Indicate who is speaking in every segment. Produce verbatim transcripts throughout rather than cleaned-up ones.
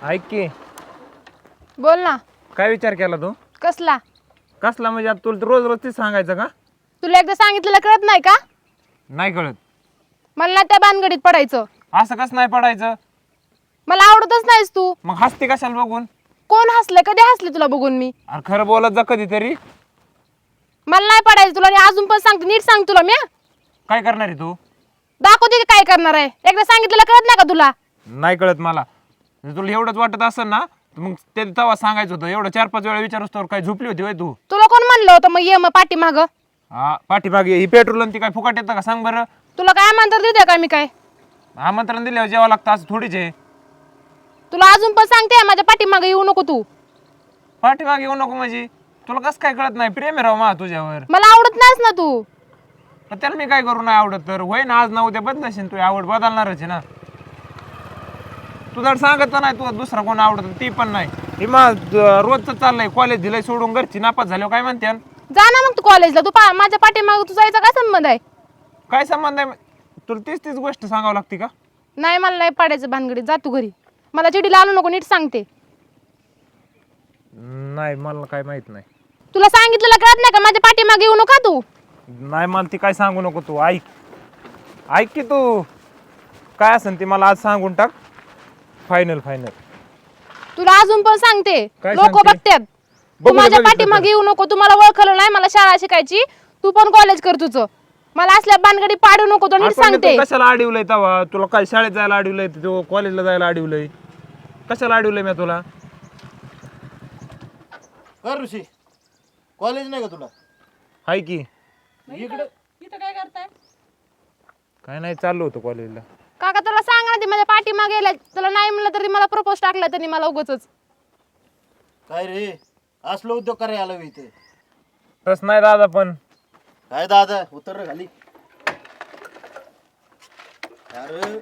Speaker 1: ऐक की
Speaker 2: बोल ना.
Speaker 1: काय विचार केला तू?
Speaker 2: कसला?
Speaker 1: कसला म्हणजे आता तुला रोज रोज तेच सांगायचं का?
Speaker 2: तुला एकदा सांगितलेलं कळत नाही का?
Speaker 1: नाही कळत.
Speaker 2: मला ना त्या भानगडीत पडायचं.
Speaker 1: असं कसं नाही पडायचं?
Speaker 2: मला आवडतच नाहीस तू.
Speaker 1: मग हसते कशाला बघून?
Speaker 2: कोण हसलं? कधी हसले तुला बघून मी?
Speaker 1: अरे खरं बोलत जा कधीतरी.
Speaker 2: मला नाही पडायचं तुला. आणि अजून पण सांगते, नीट सांग तुला मी.
Speaker 1: काय करणार आहे तू?
Speaker 2: दाखवते की काय करणार आहे. एकदा सांगितलेलं कळत नाही का तुला?
Speaker 1: नाही कळत मला. जर तुला एवढंच वाटत असेल ना तर मग ते तेव्हा सांगायचं होतं. एवढं चार पाच वेळा विचारूस तर काय झोपली होती होय तू?
Speaker 2: तुला कोण म्हणलं होतं मग ये मग पाठीमाग?
Speaker 1: हा पाठीमागे ही पेट्रोल आणि ती काय फुकाट येतं का सांग बरं?
Speaker 2: तुला काय आमंत्रण देते का मी काय?
Speaker 1: आमंत्रण दिल्यावर जेवावं लागतं असं थोडीच आहे.
Speaker 2: तुला अजून पण सांगते माझ्या पाठीमागे येऊ नको तू.
Speaker 1: पाठीमागे येऊ नको म्हणजे तुला कसं काय कळत नाही? प्रेम आहे राव मा तुझ्यावर.
Speaker 2: मला आवडत नाहीस ना तू.
Speaker 1: पण त्याला मी काय करू नाही आवडत तर? होय ना, आज ना उद्या बदलाशील तू. आवड बदलणारच आहे ना. तू जर सांगत तर नाही तू दुसरा कोण आवडत ती पण नाही. हे मग रोजच चाललंय. कॉलेज दिलंय सोडून, घरची नापास झाल्यावर काय म्हणते?
Speaker 2: जा ना मग तू कॉलेजला. तू पा माझ्या पाठीमाग तू जायचा काय संबंध आहे?
Speaker 1: काय संबंध आहे? तुला तीच तीच गोष्ट सांगावं लागते का?
Speaker 2: नाही मला नाही पडायचं भानगडीत. जा तू घरी. मला चिडीला आणू नको, नीट सांगते.
Speaker 1: नाही मला काय माहित नाही.
Speaker 2: तुला सांगितलेलं कळत नाही का? माझ्या पाठीमागे येऊ नका तू.
Speaker 1: नाही मला ती काय सांगू नको तू. ऐक ऐक की तू काय असेल ती मला आज सांगून टाक. Final final.
Speaker 2: तुला अजून पण सांगते,
Speaker 1: काय
Speaker 2: लोक
Speaker 1: सांगते?
Speaker 2: बघतात. तू
Speaker 1: बघू दे,
Speaker 2: माझ्या
Speaker 1: बघितलं
Speaker 2: पाठीमागे
Speaker 1: तर.
Speaker 2: येऊ नको. तू मला ओळखलं नाही, मला शाळा शिकायची. तू पण कॉलेज कर तुझं. मला असल्या भानगडी पाडू नको, तो नीट
Speaker 1: आपण
Speaker 2: सांगते.
Speaker 1: इथं कशाला अडवलंय तवा? तुला काय शाळेत जायला अडवलंय? तू कॉलेजला जायला अडवलंय? कशाला अडवलंय मी तुला?
Speaker 3: कर ऋषी, कॉलेज नाही का तुला?
Speaker 1: हाय की.
Speaker 3: इकडे
Speaker 2: इथं काय करताय?
Speaker 1: काय नाही चाललो होतो कॉलेजला.
Speaker 2: काका तुला सांगा ना, ती माझ्या पाठीमागे गेला. तुला नाही म्हणलं तरी मला प्रपोज टाकला त्यांनी मला उगाचच.
Speaker 3: काय रे, असलो उद्योग करायला आलो इथे?
Speaker 1: तस नाही दादा पण.
Speaker 3: काय दादा, उतर रे खाली. अरे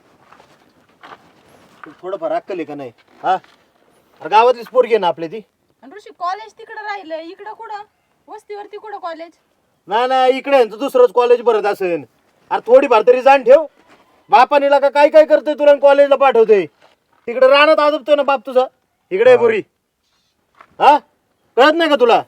Speaker 3: तू थोडंफार अक्कल आहे का नाही? हा अरे गावातलीच पोरगी आहे ना आपली ती.
Speaker 4: आणि ऋषी कॉलेज तिकडं राहिलं, इकडं कुठं वस्तीवरती कुठं कॉलेज?
Speaker 3: नाही नाही इकडे आहे ना, दुसरंच कॉलेज भरत असेल. अरे थोडीफार तरी जाण ठेव. बापानीला का काय काय करतोय तुला कॉलेजला पाठवतोय? तिकडे रानात आदबतोय ना बाप तुझा. इकडे आहे पोरी. हा कळत नाही का तुला?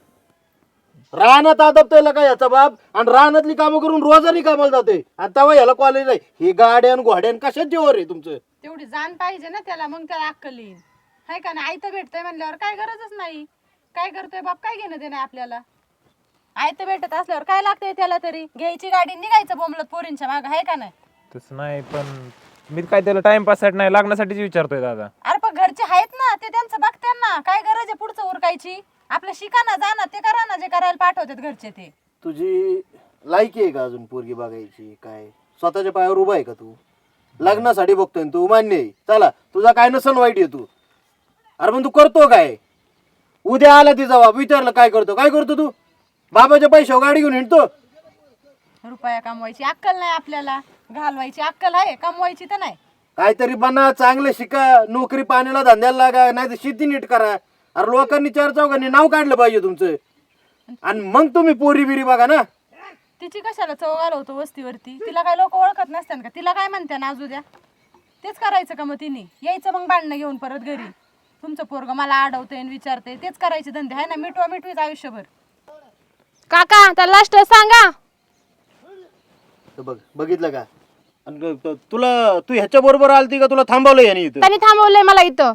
Speaker 3: रानात आदबतोय का याचा बाप, आणि रानातली कामं करून रोजानी कामाला जातोय, आणि तेव्हा याला कॉलेज आहे. ही गाड्यान घोड्यान कशात जेवर आहे तुमचं?
Speaker 4: तेवढी जाण पाहिजे ना त्याला, मग त्याला अक्कल येईल. हाय का नाही? आयतं भेटतंय म्हणल्यावर काय गरजच नाही. काय करतोय बाप, काय घेणं देणं आपल्याला? आयतं भेटत असल्यावर काय लागतंय त्याला तरी? घ्यायची गाडी निघायचं बोंबलत पोरींच्या मागं, हाय का नाही?
Speaker 1: तसं नाही पण मी काय त्याला टाइमपास साठी नाही, लागण्यासाठीच विचारतोय दादा.
Speaker 4: अरे पण घरचे आहेत ना, ते त्यांचं बघतात ना. काय गरज आहे पुढचं उरकायची? आपलं शिका ना, जा ना, ते करा ना जे करायला पाठवतात घरचे ते.
Speaker 3: तुझी लायकी आहे का अजून पोरगी बघायची? काय स्वतःच्या पायावर उभा आहे का तू? लग्नासाठी बघतोय ना तू, मान्य आहे. चला तुझा काय नसन वाईट आहे तू. अरे पण तू करतो काय? उद्या आला तिचा बाप, विचारलं काय करतो? काय करतो तू? बाबाच्या पैशावर गाडी घेऊन हिंडतो?
Speaker 4: रुपया कमवायची अक्कल नाही आपल्याला. घालवायची अक्कल आहे, कमवायची तर नाही.
Speaker 3: काहीतरी बना, चांगलं शिका, नोकरी पाण्याला धंद्याला लागा, नाही तर शेती नीट करा. अरे लोकांनी चार चौघांनी नाव काढलं पाहिजे तुमचं, आणि मग तुम्ही पोरी बिरी बघा ना.
Speaker 4: तिची कशाला चव घालवतो वस्तीवरती? तिला काय लोक ओळखत नसतात का? तिला काय म्हणते ना आज उद्या? तेच करायचं का मग तिने? यायचं मग भांडणं घेऊन परत घरी. तुमचं पोरग मला अडवतंय आणि विचारतंय, तेच करायचे धंदे आहे ना. मिटवा मिटवीच आयुष्यभर.
Speaker 2: काका त्याला लास्ट सांगा.
Speaker 3: तर बघ, बघितलं का? आणि त- तुला तू ह्याच्या बरोबर आलती का तुला थांबवलं याने इथं?
Speaker 2: त्यांनी थांबवलंय मला इथं.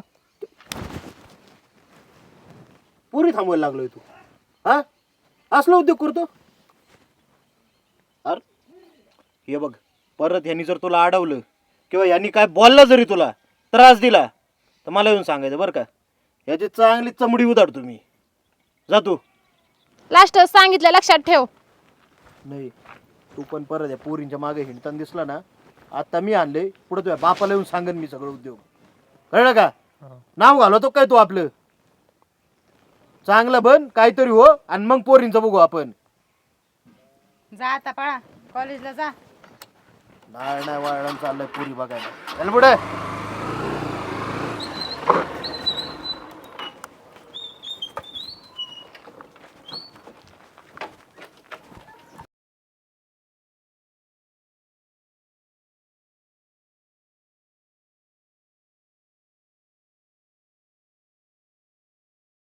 Speaker 3: पुरी थांबवायला लागलोय तू? हा असलो उद्योग करतो? अरे हे बघ, परत यांनी जर तुला अडवलं किंवा यांनी काय बोलला जरी तुला त्रास दिला तर मला येऊन सांगायचं बरं का. याची चांगली चमडी उधाड तुम्ही. जा तू.
Speaker 2: लास्ट सांगितलं, लक्षात ठेव.
Speaker 3: नाही तू पण परत या पोरींच्या मागे हिंडताना दिसला ना, आता मी आणले पुढे तुझ्या बापाला येऊन सांगन मी सगळं उद्योग. कळलं का? नाव घालवतो काय तू आपलं? चांगलं बन, काहीतरी हो, आणि मग पोरींचं बघू आपण.
Speaker 4: जा आता पळा, कॉलेजला जा.
Speaker 3: नाही नाही वळण चाललंय पोरी बघायला. चल पुढे.